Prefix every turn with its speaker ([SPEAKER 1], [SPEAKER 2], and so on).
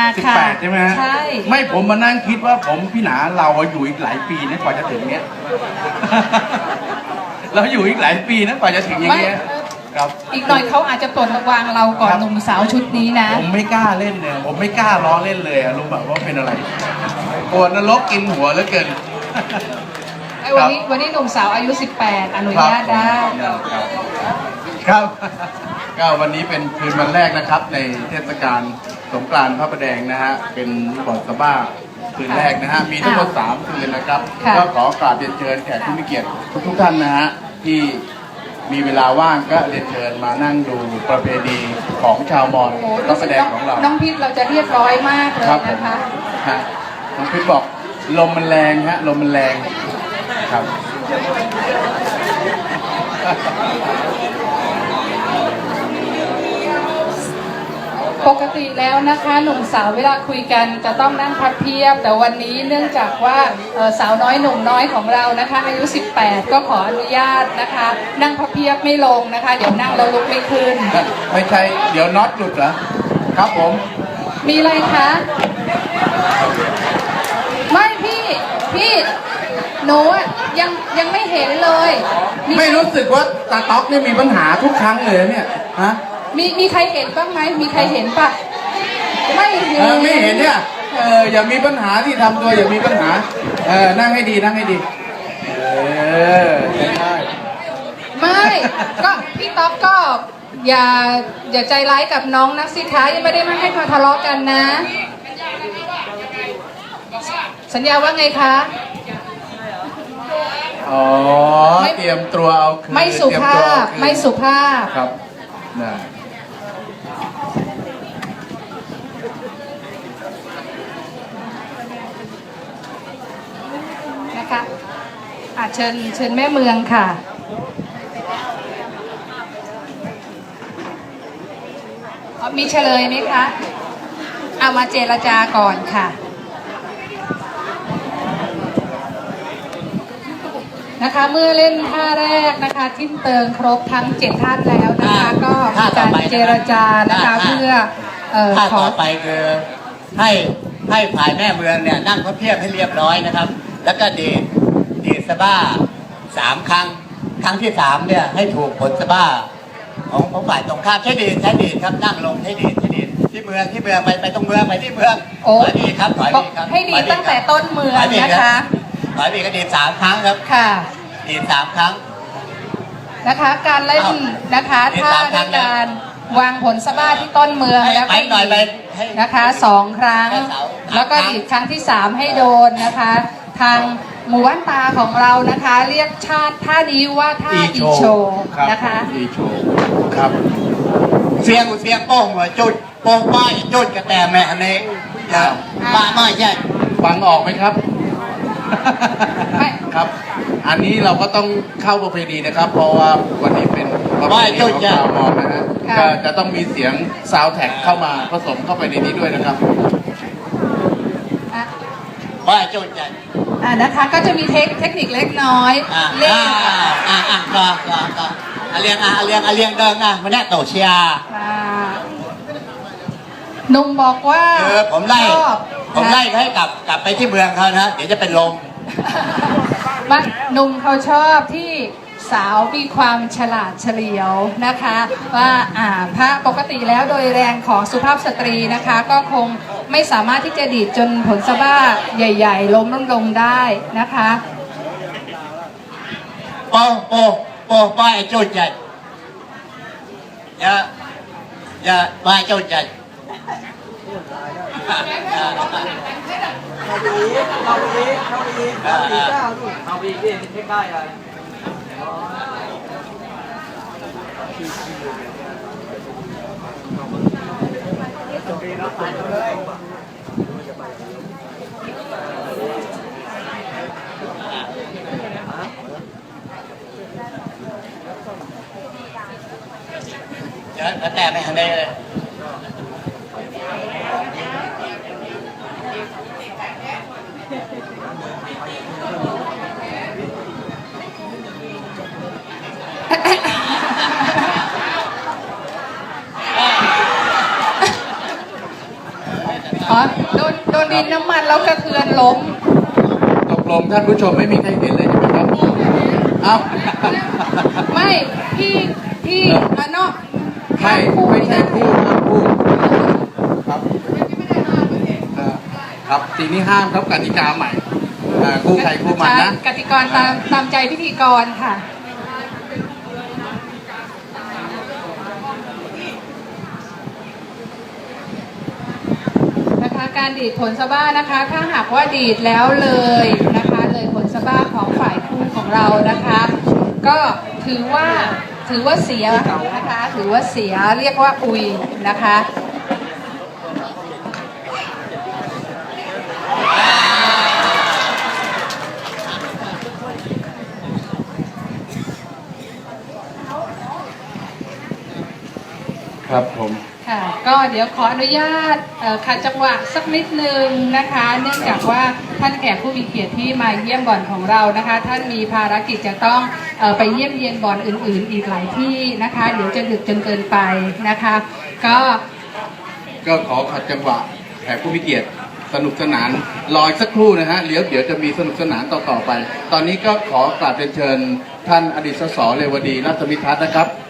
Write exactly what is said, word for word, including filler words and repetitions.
[SPEAKER 1] สิบ
[SPEAKER 2] ค่ะ
[SPEAKER 1] แปดใช่ไหมฮะ
[SPEAKER 2] ใช่
[SPEAKER 1] ไม่ผมมานั่งคิดว่าผมพี่หนาเราอยู่อีกหลายปีนะกว่าจะถึงเนี้ย เราอยู่อีกหลายปีนะกว่าจะถึงอย่างเงี้ยครับ
[SPEAKER 2] อีกหน่อยเขาอาจจะปลดระวางเราก่อนหนุ่มสาวชุดนี้นะ
[SPEAKER 1] ผมไม่กล้าเล่นเนี่ยผมไม่กล้าล้อเล่นเลยอะรู้แบบว่าเป็นอะไรปวดนรกกินหัวเหลือเกิน
[SPEAKER 2] ไอ้วันนี้วันนี้หนุ่มสาวอายุสิบแปดอนุญาตได้
[SPEAKER 1] ครับ ก็วันนี้เป็นคืนวันแรกนะครับในเทศกาลสงกรานต์พระประแดงนะฮะเป็นบอดสบ้าคืนแรกนะฮะมีทั้งหมดสามคืนนะครับ
[SPEAKER 2] ค่ะ
[SPEAKER 1] ก็ขอกราบเรียนเชิญแขกผู้มีเกียรติทุกๆท่านนะฮะที่มีเวลาว่างก็เรียนเชิญมานั่งดูประเพณีของชาวมอญ
[SPEAKER 2] โอ้
[SPEAKER 1] พระประแดงของเรา
[SPEAKER 2] น้องพิษเราจะเรียบร้อยมากเลย
[SPEAKER 1] ครับผม
[SPEAKER 2] นะคะ
[SPEAKER 1] ฮะน้องพิษบอกลมมันแรงฮะลมมันแรงครับ
[SPEAKER 2] ปกติแล้วนะคะหนุ่มสาวเวลาคุยกันจะต้องนั่งพับเพียบ แต่วันนี้เนื่องจากว่าเอ่อสาวน้อยหนุ่มน้อยของเรานะคะอายุสิบแปดก็ขออนุญาตนะคะ นั่งพับเพียบไม่ลงนะคะ เดี๋ยวนั่งแล้วลุกไม่ขึ้น
[SPEAKER 1] ไม่ใช่เดี๋ยวน็อตหลุดเหรอครับผม
[SPEAKER 2] มีอะไรคะไม่พี่พี่หนูอะยังยังไม่เห็นเลยมี
[SPEAKER 1] ไม่รู้สึกว่าตาต๊อกนี่มีปัญหาทุกครั้งเลยเนี่ยฮะ
[SPEAKER 2] มีมีใครเห็นบ้างไหมมีใครเห็นปะไม่เห็น
[SPEAKER 1] เออไม่เห็นเนี่ยเอออย่ามีปัญหาที่ทำตัวอย่ามีปัญหาเออนั่งให้ดีนั่งให้ดีเออใช่ได้
[SPEAKER 2] ไม่ก็พี่ต๊อกก็อย่าอย่าใจร้ายกับน้องนักสิคะยังไม่ได้มาให้มาทะเลาะกันนะ สัญญาว่าไงคะ
[SPEAKER 1] อ๋อเตรียมตัวเอาคืน
[SPEAKER 2] ไม่สุ
[SPEAKER 1] เตรีย
[SPEAKER 2] ภา
[SPEAKER 1] ตัว
[SPEAKER 2] พ
[SPEAKER 1] เอคืน
[SPEAKER 2] ไม่สุภาพ
[SPEAKER 1] ครับนะ
[SPEAKER 2] นะคะอาเชิญเชิญแม่เมืองค่ะอ๋อมีเฉลยไหมคะเอามาเจรจาก่อนค่ะนะคะเมื่อเล่นท่าแรกนะคะทิ้นเติงครบทั้งเจ็ดท่านแล้วนะคะ ก็มีการเจรจานะคะเพื่อเอ่อ
[SPEAKER 3] ท่า
[SPEAKER 2] ขอ
[SPEAKER 3] ต่อไปคือให้ให้ฝ่ายแม่เมืองเนี่ยนั่งพระเพียบให้เรียบร้อยนะครับ แล้วก็ดีดดีดสะบ้าสามครั้ง ครั้งที่สามเนี่ยให้ถูกผลสะบ้าของของฝ่ายตรงข้ามใช้ดีดใช้ดีดครับนั่งลงใช้ดีดใช้ดีดที่เมืองที่เมืองไปไปตรงเมืองไปที่เมือง
[SPEAKER 2] โอ้
[SPEAKER 3] ถอยดีดครับถอยดีดครับ
[SPEAKER 2] ให้ดี
[SPEAKER 3] ถอย
[SPEAKER 2] ตั้งแต่ต้นเมือง
[SPEAKER 3] ถอยดีด
[SPEAKER 2] นะ
[SPEAKER 3] รับ
[SPEAKER 2] คะ
[SPEAKER 3] ถอยดีดก็ดีดสามครั้งครับ
[SPEAKER 2] ค่ะ
[SPEAKER 3] ดีดสามครั้ง
[SPEAKER 2] นะคะการเล่น
[SPEAKER 3] เอา
[SPEAKER 2] นะคะ
[SPEAKER 3] เล่น
[SPEAKER 2] ท่า
[SPEAKER 3] ตาม
[SPEAKER 2] ด้วย
[SPEAKER 3] ทางแล้ว
[SPEAKER 2] การวางผลสะบ้าที่ต้นเมือง
[SPEAKER 3] ให้
[SPEAKER 2] แล้ว
[SPEAKER 3] ไป
[SPEAKER 2] ก็
[SPEAKER 3] หน่อยไป
[SPEAKER 2] ดีด
[SPEAKER 3] ให้
[SPEAKER 2] นะคะสองครั้ง
[SPEAKER 3] ให้เสา
[SPEAKER 2] แล้วก็
[SPEAKER 3] สามครั้ง
[SPEAKER 2] ดีดครั้งที่สามให้โดนนะคะ ทางหมู่บ้านตาของเรานะคะ เรียกชาติท่านี้ว่าท่าอีโชว์
[SPEAKER 1] ครับ
[SPEAKER 2] นะคะ
[SPEAKER 1] อีโชว์ครับ
[SPEAKER 3] เสียงเสียงโป้งหัวจุดโป้งป้ายจุดกระแตแม่อันนี้อย่าป้าไม่ใช่
[SPEAKER 1] ฟังออกไหมครับ
[SPEAKER 2] ไม่
[SPEAKER 1] ครับ อันนี้เราก็ต้องเข้าประเพณีนะครับ เพราะว่าวันนี้เป็นประเพณีของชาวมอญนะฮะก็จะต้องมีเสียงซาวด์แท็กเข้ามาผสมเข้าไปในนี้ด้วยนะครับ
[SPEAKER 2] อ่ะ
[SPEAKER 3] ป้ายจุดใจ
[SPEAKER 2] อ่ะนะคะก็จะมีเทคเทคนิคเล็กน้อย
[SPEAKER 3] อ่า
[SPEAKER 2] เล่น
[SPEAKER 3] อ่าอ่าอ่าก็ก็ก็อาเลียงอ่ะอาเลียงอาเลียงเดินอ่ะมันแน่โตเชีย
[SPEAKER 2] อ่าหนุ่มบอกว่า
[SPEAKER 3] เออผมไล่
[SPEAKER 2] ชอบ
[SPEAKER 3] ผมไล่ให้กลับกลับไปที่เมืองเขานะเดี๋ยวจะเป็นลม
[SPEAKER 2] มาหนุ่มเขาชอบที่สาวมีความฉลาดเฉลียวนะคะ ว่าอ่าพระปกติแล้วโดยแรงของสุภาพสตรีนะคะ ก็คงไม่สามารถที่จะดีดจนผลสะบ้าใหญ่ๆ ล้มลงลงได้นะคะ
[SPEAKER 3] โป้โป้โป้ป้ายจุดใจอย่าอย่าป้ายจุดใจ
[SPEAKER 4] เอาไปอีกเอาไปอีกเอาไปอีกเอาไปอีกเจ้าดูเอาไปอีกดิเช็คได้เลย
[SPEAKER 3] เดี๋ยวกระแตไม่ทันได้เลย
[SPEAKER 2] อ๋อโดนโดนดินน้ำมันแล้วกระเทือนล้ม
[SPEAKER 1] ตกลงท่านผู้ชมไม่มีใครเห็นเลยใช่ไหมครับเอ้า
[SPEAKER 2] ไม่พี่พี่อ่ะเนาะ
[SPEAKER 1] ไม่ไม่ใช่พูดห้ามพูดครับเอ่อครับทีนี้ห้ามครับกติกาใหม่อ่าคู่ใครคู่มันนะ
[SPEAKER 2] กติกรตามตามใจพิธีกรค่ะ นะคะการดีดผลสะบ้านะคะ ถ้าหากว่าดีดแล้วเลยนะคะเลยผลสะบ้าของฝ่ายคู่ของเรานะคะ ก็ถือว่าถือว่าเสียนะคะถือว่าเสียเรียกว่าอุยนะคะ
[SPEAKER 1] ครับผม
[SPEAKER 2] ค่ะก็เดี๋ยวขออนุญาตเอ่อขัดจังหวะสักนิดนึงนะคะ เนื่องจากว่าท่านแขกผู้มีเกียรติที่มาเยี่ยมบ่อนของเรานะคะ ท่านมีภารกิจจะต้องเอ่อไปเยี่ยมเยียนบ่อนอื่น ๆ อีกหลายที่นะคะ เดี๋ยวจะดึกจนเกินไปนะคะ ก็
[SPEAKER 1] ก็ขอขัดจังหวะแขกผู้มีเกียรติสนุกสนานรออีกสักครู่นะฮะเดี๋ยวเดี๋ยวจะมีสนุกสนานต่อๆไป ตอนนี้ก็ขอกราบเรียนเชิญท่านอดีตสสเรวดีรัตนมิทัศน์นะครับ